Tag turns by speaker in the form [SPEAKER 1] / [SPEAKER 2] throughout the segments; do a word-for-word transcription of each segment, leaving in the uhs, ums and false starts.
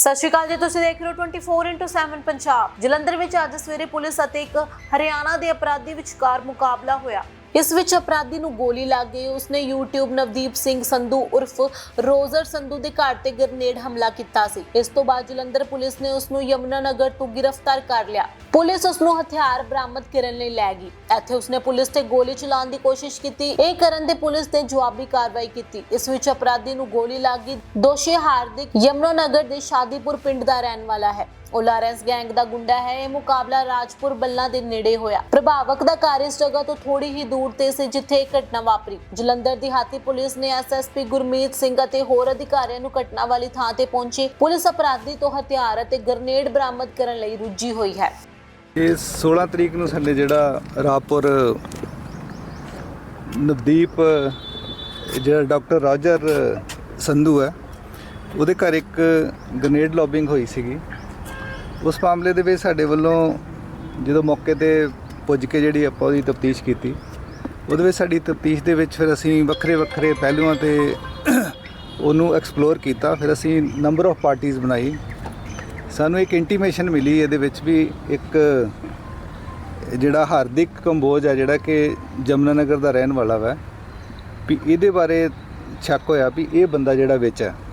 [SPEAKER 1] ਸਤਿ ਸ਼੍ਰੀ ਅਕਾਲ ਜੀ, ਤੁਸੀਂ ਦੇਖ ਰਹੇ ਹੋ twenty four into seven Punjab. Jalandhar ਵਿੱਚ ਅੱਜ ਸਵੇਰੇ ਪੁਲਿਸ ਅਤੇ ਇੱਕ ਹਰਿਆਣਾ ਦੇ ਅਪਰਾਧੀ ਵਿਚਕਾਰ ਮੁਕਾਬਲਾ ਹੋਇਆ। ਇਸ ਵਿੱਚ ਅਪਰਾਧੀ ਨੂੰ ਗੋਲੀ ਲੱਗ ਗਈ। ਉਸਨੇ YouTube ਨਵਦੀਪ ਸਿੰਘ ਸੰਧੂ ਉਰਫ ਰੋਜ਼ਰ ਸੰਧੂ ਦੇ ਘਰ ਤੇ ਗ੍ਰਨੇਡ ਹਮਲਾ ਕੀਤਾ ਸੀ। ਇਸ ਤੋਂ ਬਾਅਦ ਜਲੰਧਰ ਪੁਲਿਸ ਨੇ ਉਸ ਨੂੰ ਯਮੁਨਾ ਨਗਰ ਤੋਂ ਗ੍ਰਿਫਤਾਰ ਕਰ ਲਿਆ। ਪੁਲਿਸ ਉਸ ਨੂੰ ਹਥਿਆਰ ਬਰਾਮਦ ਕਰਨ ਲਈ ਲੈ ਗਈ। ਇੱਥੇ ਉਸਨੇ ਪੁਲਿਸ ਤੇ ਗੋਲੀ ਚਲਾਉਣ ਦੀ ਕੋਸ਼ਿਸ਼ ਕੀਤੀ। ਇਹ ਕਰਨ ਤੇ ਪੁਲਿਸ ਨੇ ਜਵਾਬੀ ਕਾਰਵਾਈ ਕੀਤੀ। ਇਸ ਵਿੱਚ ਅਪਰਾਧੀ ਨੂੰ ਗੋਲੀ ਲੱਗ ਗਈ। ਦੋਸ਼ੀ ਹਾਰਦਿਕ ਯਮੁਨਾ ਨਗਰ ਦੇ ਸ਼ਾਦੀਪੁਰ ਪਿੰਡ ਦਾ ਰਹਿਣ ਵਾਲਾ ਹੈ। ਉਹ ਲਾਰੈਂਸ ਗੈਂਗ ਦਾ ਗੁੰਡਾ ਹੈ। ਇਹ ਮੁਕਾਬਲਾ ਰਾਜਪੁਰ ਬੱਲਾ ਦੇ ਨੇੜੇ ਹੋਇਆ। ਪ੍ਰਭਾਵਕ ਦਾ ਘਰ ਇਸ ਜਗ੍ਹਾ ਤੋਂ ਥੋੜੀ ਹੀ ਦੂਰ ਤੇ ਸੀ ਜਿੱਥੇ ਇਹ ਘਟਨਾ ਵਾਪਰੀ। ਜਲੰਧਰ ਦੀ ਹਾਤੀ ਪੁਲਿਸ ਨੇ S S P Gurmeet Singh ਅਤੇ ਹੋਰ ਅਧਿਕਾਰੀਆਂ ਨੂੰ ਘਟਨਾ ਵਾਲੀ ਥਾਂ ਤੇ ਪਹੁੰਚੇ। ਪੁਲਿਸ ਅਪਰਾਧੀ ਤੋਂ ਹਥਿਆਰ ਅਤੇ ਗ੍ਰਨੇਡ ਬਰਾਮਦ ਕਰਨ ਲਈ ਰੁੱਝੀ ਹੋਈ ਹੈ।
[SPEAKER 2] ਇਹ ਸੋਲਾਂ ਤਰੀਕ ਨੂੰ ਸਾਡੇ ਜਿਹੜਾ ਰਾਜਪੁਰ ਨਵਦੀਪ ਜਿਹੜਾ ਡਾਕਟਰ ਰੋਜ਼ਰ ਸੰਧੂ ਹੈ ਉਹਦੇ ਘਰ ਇੱਕ ਗ੍ਰਨੇਡ ਲੌਬਿੰਗ ਹੋਈ ਸੀਗੀ। ਉਸ ਮਾਮਲੇ ਦੇ ਵਿੱਚ ਸਾਡੇ ਵੱਲੋਂ ਜਦੋਂ ਮੌਕੇ ਤੇ ਪੁੱਜ ਕੇ ਜਿਹੜੀ ਆਪਾਂ ਉਹਦੀ ਤਫਤੀਸ਼ ਕੀਤੀ, ਉਹਦੇ ਵਿੱਚ ਸਾਡੀ ਤਫਤੀਸ਼ ਦੇ ਵਿੱਚ ਫਿਰ ਅਸੀਂ ਵੱਖਰੇ ਵੱਖਰੇ ਪਹਿਲੂਆਂ ਤੇ ਉਹਨੂੰ ਐਕਸਪਲੋਰ ਕੀਤਾ। ਫਿਰ ਅਸੀਂ ਨੰਬਰ ਆਫ ਪਾਰਟੀਜ਼ ਬਣਾਈ। ਸਾਨੂੰ ਇੱਕ ਇੰਟੀਮੇਸ਼ਨ ਮਿਲੀ ਇਹਦੇ ਵਿੱਚ ਵੀ ਇੱਕ ਜਿਹੜਾ ਹਾਰਦਿਕ ਕੰਬੋਜ ਹੈ ਜਿਹੜਾ ਕਿ ਯਮੁਨਾ ਨਗਰ ਦਾ ਰਹਿਣ ਵਾਲਾ ਵਾ, ਵੀ ਇਹਦੇ ਬਾਰੇ ਸ਼ੱਕ ਹੋਇਆ ਵੀ ਇਹ ਬੰਦਾ ਜਿਹੜਾ ਵਿੱਚ ਹੈ।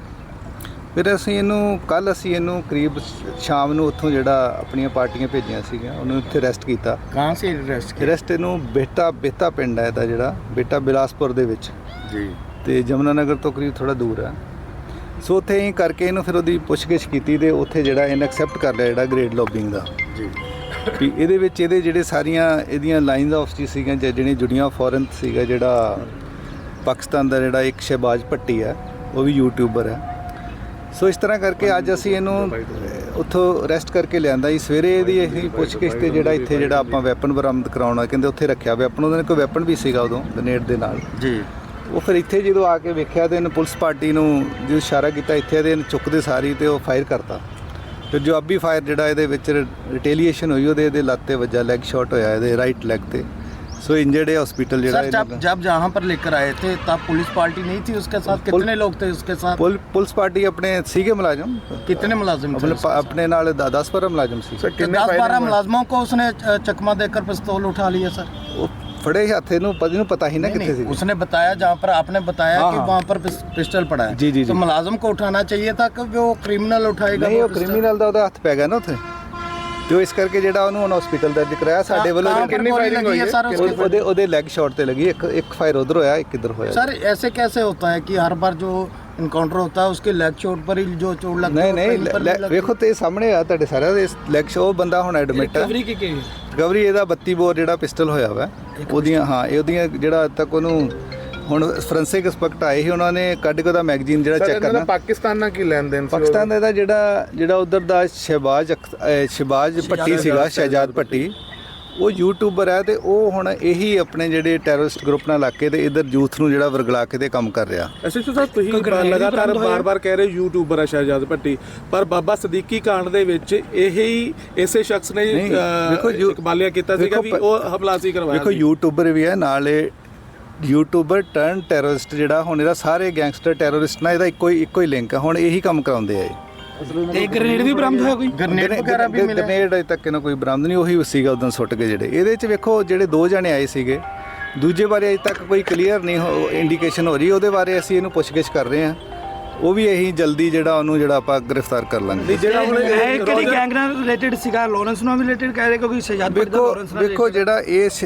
[SPEAKER 2] ਫਿਰ ਅਸੀਂ ਇਹਨੂੰ ਕੱਲ੍ਹ ਅਸੀਂ ਇਹਨੂੰ ਕਰੀਬ ਸ਼ਾਮ ਨੂੰ ਉੱਥੋਂ ਜਿਹੜਾ ਆਪਣੀਆਂ ਪਾਰਟੀਆਂ ਭੇਜੀਆਂ ਸੀਗੀਆਂ ਉਹਨੂੰ ਇੱਥੇ ਅਰੈਸਟ ਕੀਤਾ।
[SPEAKER 3] ਕਹਾਂ ਸੇ ਅਰੈਸਟ
[SPEAKER 2] ਅਰੈਸਟ ਇਹਨੂੰ ਬੇਟਾ ਬੇਤਾ ਪਿੰਡ ਹੈ ਇਹਦਾ ਜਿਹੜਾ ਬੇਟਾ ਬਿਲਾਸਪੁਰ ਦੇ ਵਿੱਚ
[SPEAKER 3] ਜੀ, ਤੇ
[SPEAKER 2] ਯਮੁਨਾ ਨਗਰ ਤੋਂ ਕਰੀਬ ਥੋੜ੍ਹਾ ਦੂਰ ਹੈ। ਸੋ ਉੱਥੇ ਹੀ ਕਰਕੇ ਇਹਨੂੰ ਫਿਰ ਉਹਦੀ ਪੁੱਛਗਿੱਛ ਕੀਤੀ ਅਤੇ ਉੱਥੇ ਜਿਹੜਾ ਇਹਨੇ ਐਕਸੈਪਟ ਕਰ ਲਿਆ ਜਿਹੜਾ ਗ੍ਰੇਡ ਲੌਬਿੰਗ ਦਾ
[SPEAKER 3] ਜੀ,
[SPEAKER 2] ਵੀ ਇਹਦੇ ਵਿੱਚ ਇਹਦੇ ਜਿਹੜੇ ਸਾਰੀਆਂ ਇਹਦੀਆਂ ਲਾਈਨਸ ਆਫ ਜੀ ਸੀਗੀਆਂ ਜਿਹੜੀਆਂ ਜੁੜੀਆਂ ਫੋਰਨ ਸੀਗਾ। ਜਿਹੜਾ ਪਾਕਿਸਤਾਨ ਦਾ ਜਿਹੜਾ ਇੱਕ ਸ਼ਹਿਬਾਜ਼ ਭੱਟੀ ਹੈ ਉਹ ਵੀ ਯੂਟਿਊਬਰ ਹੈ। ਸੋ ਇਸ ਤਰ੍ਹਾਂ ਕਰਕੇ ਅੱਜ ਅਸੀਂ ਇਹਨੂੰ ਉੱਥੋਂ ਅਰੈਸਟ ਕਰਕੇ ਲਿਆਂਦਾ ਜੀ। ਸਵੇਰੇ ਇਹਦੀ ਅਸੀਂ ਪੁੱਛਗਿੱਛ ਤੇ ਜਿਹੜਾ ਇੱਥੇ ਜਿਹੜਾ ਆਪਾਂ ਵੈਪਨ ਬਰਾਮਦ ਕਰਾਉਣਾ ਕਹਿੰਦੇ ਉੱਥੇ ਰੱਖਿਆ ਵੈਪਨ, ਉਹਦੇ ਨਾਲ ਕੋਈ ਵੈਪਨ ਵੀ ਸੀਗਾ ਉਦੋਂ ਗ੍ਰਨੇਡ ਦੇ ਨਾਲ
[SPEAKER 3] ਜੀ। ਉਹ
[SPEAKER 2] ਫਿਰ ਇੱਥੇ ਜਦੋਂ ਆ ਕੇ ਵੇਖਿਆ ਤੇ ਇਹਨੇ ਪੁਲਿਸ ਪਾਰਟੀ ਨੂੰ ਜਦੋਂ ਇਸ਼ਾਰਾ ਕੀਤਾ ਇੱਥੇ ਤੇ ਇਹਨੇ ਚੁੱਕਦੇ ਸਾਰੀ ਤੇ ਉਹ ਫਾਇਰ ਕਰਤਾ। ਫਿਰ ਜਵਾਬੀ ਫਾਇਰ ਜਿਹੜਾ ਇਹਦੇ ਵਿੱਚ ਰਿਟੇਲੀਏਸ਼ਨ ਹੋਈ ਉਹਦੇ ਇਹਦੇ ਲੱਤ 'ਤੇ ਵੱਜਾ, ਲੈਗ ਸ਼ਾਟ ਹੋਇਆ ਇਹਦੇ ਰਾइट ਲੈਗ ਤੇ। सो इंजर्ड है हॉस्पिटल।
[SPEAKER 3] सर जब जब जहाँ पर लेकर आए थे तब पुलिस पार्टी नहीं थी उसके साथ? कितने लोग थे उसके साथ?
[SPEAKER 2] पुल, पुलिस पार्टी अपने सीगे मुलाजिम।
[SPEAKER 3] कितने मुलाजिम थे?
[SPEAKER 2] अपने, अपने नाल दस बारह मुलाजिम सी।
[SPEAKER 3] दस बारह मुलाजिमों को उसने चकमा देकर पिस्तौल उठा लिया सर?
[SPEAKER 2] फड़े हाथ नहीं पता ही ना कितने सी।
[SPEAKER 3] उसने बताया जहाँ पर आपने बताया कि वहाँ पर पिस्टल पड़ा है।
[SPEAKER 2] जी जी।
[SPEAKER 3] तो मुलाजिम को उठाना चाहिए था कि वो क्रिमिनल उठाएगा?
[SPEAKER 2] नहीं, वो क्रिमिनल ਦਾ ਉਹਦਾ ਹੱਥ ਪੈ ਗਿਆ ਨਾ ਉੱਥੇ, ਤੇ ਇਸ ਕਰਕੇ ਜਿਹੜਾ ਉਹਨੂੰ ਹੁਣ ਹਸਪੀਟਲ ਦਰਜ ਕਰਾਇਆ। ਸਾਡੇ ਵੱਲੋਂ
[SPEAKER 3] कितनी फायरिंग हुई है सर?
[SPEAKER 2] ਉਹਦੇ ਉਹਦੇ ਲੈਗ ਸ਼ਾਟ ਤੇ ਲੱਗੀ, ਇੱਕ ਇੱਕ ਫਾਇਰ ਉਧਰ ਹੋਇਆ, ਇੱਕ ਇੱਧਰ ਹੋਇਆ।
[SPEAKER 3] सर ऐसे कैसे होता है कि हर बार जो इनकाउंटर होता है उसके लेग चोट पर ही जो चोट लगती है?
[SPEAKER 2] नहीं नहीं, ਵੇਖੋ ਤੇ ਸਾਹਮਣੇ ਆ ਤੁਹਾਡੇ ਸਾਰਿਆਂ ਦੇ ਲੈਗ ਸ਼ੋ। ਬੰਦਾ ਹੁਣ ਐਡਮਿਟ ਹੈ।
[SPEAKER 3] ਰਿਕਵਰੀ ਕੀ ਕੀ
[SPEAKER 2] ਰਿਕਵਰੀ ਇਹਦਾ ਬੱਤੀ ਬੋਰ ਜਿਹੜਾ ਪਿਸਟਲ ਹੋਇਆ ਵਾ ਉਹਦੀਆਂ, ਹਾਂ ਇਹ ਉਹਦੀਆਂ ਜਿਹੜਾ ਅੱਜ ਤੱਕ ਉਹਨੂੰ ਹੁਣ ਫੋਰੈਂਸਿਕ ਐਕਸਪਰਟ ਆਏ ਸੀ ਉਹਨਾਂ ਨੇ ਕੱਢ ਕੇ ਉਹਦਾ ਮੈਗਜ਼ੀਨ ਜਿਹੜਾ ਚੈੱਕ ਕਰਨਾ।
[SPEAKER 4] ਪਾਕਿਸਤਾਨ ਨਾਲ ਕੀ ਲੈਣ ਦੇਣ ਸੀ?
[SPEAKER 2] ਪਾਕਿਸਤਾਨ ਦਾ ਜਿਹੜਾ ਜਿਹੜਾ ਉਧਰ ਦਾ ਸ਼ਹਿਬਾਜ਼ ਸ਼ਹਿਬਾਜ਼ ਭੱਟੀ ਸੀਗਾ, ਸ਼ਹਿਜਾਦ ਭੱਟੀ, ਉਹ ਯੂਟਿਊਬਰ ਹੈ ਤੇ ਉਹ ਹੁਣ ਇਹੀ ਆਪਣੇ ਜਿਹੜੇ ਟੈਰਰਿਸਟ ਗਰੁੱਪ ਨਾਲ ਲੱਗ ਕੇ ਤੇ ਇਧਰ ਯੂਥ ਨੂੰ ਜਿਹੜਾ ਵਰਗਲਾ ਕੇ ਤੇ ਕੰਮ ਕਰ ਰਿਹਾ।
[SPEAKER 4] ਐਸਐਚਓ ਸਾਹਿਬ ਤੁਸੀਂ ਲਗਾਤਾਰ ਬਾਰ-ਬਾਰ ਕਹਿ ਰਹੇ ਯੂਟਿਊਬਰ ਹੈ ਸ਼ਹਿਜਾਦ ਭੱਟੀ, ਪਰ ਬਾਬਾ ਸਦੀਕੀ ਕਾਂਡ ਦੇ ਵਿੱਚ ਇਹੀ ਇਸੇ ਸ਼ਖਸ ਨੇ ਇਕਬਾਲਿਆ ਕੀਤਾ ਸੀਗਾ ਵੀ ਉਹ ਹਮਲਾ ਸੀ ਕਰਵਾਇਆ।
[SPEAKER 2] ਦੇਖੋ ਯੂਟਿਊਬਰ ਵੀ ਹੈ ਨਾਲੇ ਯੂਟਿਊਬਰ ਟਰਨ ਟੈਰਰਿਸਟ ਜਿਹੜਾ ਹੁਣ ਇਹਦਾ ਸਾਰੇ ਗੈਂਗਸਟਰ ਟੈਰਰਿਸਟ ਨਾਲ ਇਹਦਾ ਇੱਕੋ ਹੀ ਇੱਕੋ ਹੀ ਲਿੰਕ ਹੈ। ਹੁਣ ਇਹੀ ਕੰਮ ਕਰਾਉਂਦੇ ਆ।
[SPEAKER 3] ਤੇ ਗ੍ਰਨੇਡ ਵੀ ਬਰਾਮਦ ਹੋਇਆ? ਕੋਈ ਗ੍ਰਨੇਡ ਵਗੈਰਾ ਵੀ ਮਿਲਿਆ?
[SPEAKER 2] ਗ੍ਰਨੇਡ ਅਜੇ ਤੱਕ ਇਹਨਾਂ ਕੋਈ ਬਰਾਮਦ ਨਹੀਂ, ਉਹੀ ਸੀਗਾ ਉਦੋਂ ਸੁੱਟ ਕੇ ਜਿਹੜੇ ਇਹਦੇ 'ਚ। ਵੇਖੋ ਜਿਹੜੇ ਦੋ ਜਣੇ ਆਏ ਸੀਗੇ, ਦੂਜੇ ਬਾਰੇ ਅਜੇ ਤੱਕ ਕੋਈ ਕਲੀਅਰ ਨਹੀਂ ਇੰਡੀਕੇਸ਼ਨ ਹੋ ਰਹੀ। ਉਹਦੇ ਬਾਰੇ ਅਸੀਂ ਇਹਨੂੰ ਪੁੱਛਗਿੱਛ ਕਰ ਰਹੇ ਹਾਂ। ਉਹ ਵੀ ਇਹੀ ਜਲਦੀ ਜਿਹੜਾ ਉਹਨੂੰ ਜਿਹੜਾ ਆਪਾਂ ਗ੍ਰਿਫਤਾਰ ਕਰ ਲਾਂਗੇ।
[SPEAKER 5] ਜਿਹੜਾ ਹੁਣ ਇਹ ਕਿਹੜੀ ਗੈਂਗ ਨਾਲ ਰਿਲੇਟਡ ਸੀਗਾ? ਲਾਰੈਂਸ ਨਾਲ ਵੀ ਰਿਲੇਟਡ ਕਹਿ ਰਹੇ ਕਿਉਂਕਿ ਸ਼ਹਿਜਾਦ ਭੱਟੀ ਦਾ ਲਾਰੈਂਸ ਨਾਲ।
[SPEAKER 2] ਵੇਖੋ ਜਿਹੜਾ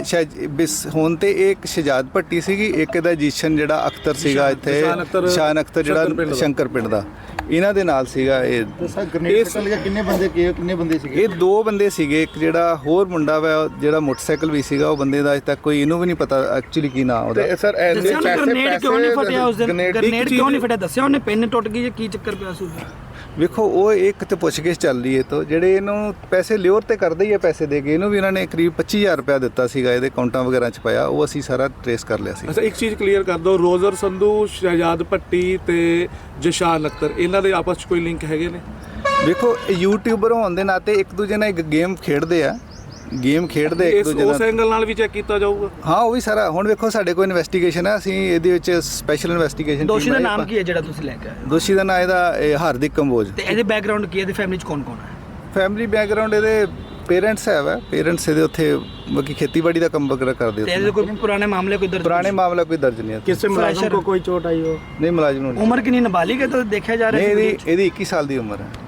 [SPEAKER 2] ਇਹ ਹੁਣ ਤੇ ਇਹ ਇੱਕ ਸ਼ਹਿਜਾਦ ਭੱਟੀ ਸੀਗੀ, ਇੱਕ ਇਹਦਾ ਜੀਸ਼ਨ ਜਿਹੜਾ ਅਖਤਰ ਸੀਗਾ ਇੱਥੇ, ਸ਼ਾਨ ਅਖਤਰ ਜਿਹੜਾ ਸ਼ੰਕਰ ਪਿੰਡ ਦਾ, ਇਹਨਾਂ ਦੇ ਨਾਲ ਸੀਗਾ ਇਹ।
[SPEAKER 3] ਕਿੰਨੇ ਬੰਦੇ ਕਿੰਨੇ ਬੰਦੇ ਸੀਗੇ?
[SPEAKER 2] ਇਹ ਦੋ ਬੰਦੇ ਸੀਗੇ। ਇੱਕ ਜਿਹੜਾ ਹੋਰ ਮੁੰਡਾ ਵਾ ਜਿਹੜਾ ਮੋਟਰਸਾਈਕਲ ਵੀ ਸੀਗਾ, ਉਹ ਬੰਦੇ ਦਾ ਅਜੇ ਤੱਕ ਕੋਈ ਇਹਨੂੰ ਵੀ ਨਹੀਂ ਪਤਾ ਐਕਚੁਅਲੀ ਕੀ ਨਾਂ ਉਹਦਾ।
[SPEAKER 4] ਸਰ
[SPEAKER 5] ਗ੍ਰਨੇਡ ਕਿਉਂ ਨਹੀਂ ਫਟਿਆ ਉਸ ਦਿਨ? ਗ੍ਰਨੇਡ ਕਿਉਂ ਨਹੀਂ ਫਟਿਆ ਦੱਸਿਆ ਉਹਨੇ? ਪਿੰਨ ਟੁੱਟ ਗਈ ਜਾਂ ਕੀ ਚੱਕਰ ਪਿਆ ਸੀ?
[SPEAKER 2] ਵੇਖੋ ਉਹ ਇੱਕ ਤੇ ਪੁੱਛਗਿੱਛ ਚੱਲ ਰਹੀ ਹੈ ਤੋਂ ਜਿਹੜੇ ਇਹਨੂੰ ਪੈਸੇ ਲਿਓਰ ਤੇ ਕਰਦੇ ਹੀ ਆ, ਪੈਸੇ ਦੇ ਕੇ ਇਹਨੂੰ ਵੀ ਇਹਨਾਂ ਨੇ ਕਰੀਬ ਪੱਚੀ ਹਜ਼ਾਰ ਰੁਪਇਆ ਦਿੱਤਾ ਸੀਗਾ, ਇਹਦੇ ਅਕਾਊਂਟਾਂ ਵਗੈਰਾ 'ਚ ਪਾਇਆ, ਉਹ ਅਸੀਂ ਸਾਰਾ ਟਰੇਸ ਕਰ ਲਿਆ ਸੀ।
[SPEAKER 4] ਅੱਛਾ ਇੱਕ ਚੀਜ਼ ਕਲੀਅਰ ਕਰ ਦਿਓ, ਰੋਜ਼ਰ ਸੰਧੂ, ਸ਼ਹਿਜਾਦ ਭੱਟੀ ਤੇ ਜਸ਼ਾਨ ਅਖਤਰ ਇਹਨਾਂ ਦੇ ਆਪਸ 'ਚ ਕੋਈ ਲਿੰਕ ਹੈਗੇ ਨੇ?
[SPEAKER 2] ਵੇਖੋ ਯੂਟਿਊਬਰ ਹੋਣ ਦੇ ਨਾਤੇ ਇੱਕ ਦੂਜੇ ਨਾਲ ਇੱਕ ਗੇਮ ਖੇਡਦੇ ਆ। ਗੇਮ ਖੇਡਦੇ ਇੱਕ
[SPEAKER 4] ਇਸ
[SPEAKER 2] ਦੂਜੇ
[SPEAKER 4] ਉਸ
[SPEAKER 2] ਨਾਲ।
[SPEAKER 4] ਐਂਗਲ ਨਾਲ ਵੀ ਚੈੱਕ ਕੀਤਾ ਜਾਊਗਾ।
[SPEAKER 2] ਹਾਂ ਉਹ ਵੀ ਸਾਰਾ ਹੁਣ ਵੇਖੋ ਸਾਡੇ ਕੋਲ ਇਨਵੈਸਟੀਗੇਸ਼ਨ ਹੈ, ਅਸੀਂ ਇਹਦੇ ਵਿੱਚ ਸਪੈਸ਼ਲ ਇਨਵੈਸਟੀਗੇਸ਼ਨ।
[SPEAKER 5] ਦੋਸ਼ੀ ਦਾ ਨਾਮ ਕੀ ਹੈ ਜਿਹੜਾ ਤੁਸੀਂ ਲੈ ਕੇ ਆਏ ਹੋ?
[SPEAKER 2] ਦੋਸ਼ੀ ਦਾ ਨਾਮ ਇਹਦਾ ਇਹ ਹਾਰਦਿਕ ਕੰਬੋਜ।
[SPEAKER 5] ਤੇ ਇਹਦੇ ਬੈਕਗ੍ਰਾਉਂਡ ਕੀ ਹੈ? ਇਹਦੀ ਫੈਮਿਲੀ ਚ ਕੌਣ ਕੌਣ ਹੈ?
[SPEAKER 2] ਫੈਮਿਲੀ ਬੈਕਗ੍ਰਾਉਂਡ ਇਹਦੇ ਪੇਰੈਂਟਸ ਹੈ ਵਾ, ਪੇਰੈਂਟਸ ਇਹਦੇ ਉੱਥੇ ਬਾਕੀ ਖੇਤੀਬਾੜੀ ਦਾ ਕੰਮ ਵਗੈਰਾ ਕਰਦੇ
[SPEAKER 5] ਤੇ ਇਹਦੇ
[SPEAKER 2] ਉੱਥੇ।
[SPEAKER 5] ਕੋਈ ਪੁਰਾਣੇ ਮਾਮਲੇ ਕੋਈ ਦਰਜ?
[SPEAKER 2] ਪੁਰਾਣੇ ਮਾਮਲਾ ਕੋਈ ਦਰਜ ਨਹੀਂ ਹੈ।
[SPEAKER 3] किससे मुलाजिम को कोई चोट आई हो?
[SPEAKER 2] ਨਹੀਂ ਮੁਲਾਜ਼ਮ ਨੂੰ ਨਹੀਂ।
[SPEAKER 5] ਉਮਰ ਕਿੰਨੀ ਨਾਬਾਲਿਗ ਹੈ ਤਾਂ ਦੇਖਿਆ ਜਾ ਰਿਹਾ
[SPEAKER 2] ਨਹੀਂ
[SPEAKER 5] ਸੀ
[SPEAKER 2] ਇਹਦੀ ਇਹਦੀ ਇੱਕੀ ਸਾਲ ਦੀ ਉਮਰ ਹੈ।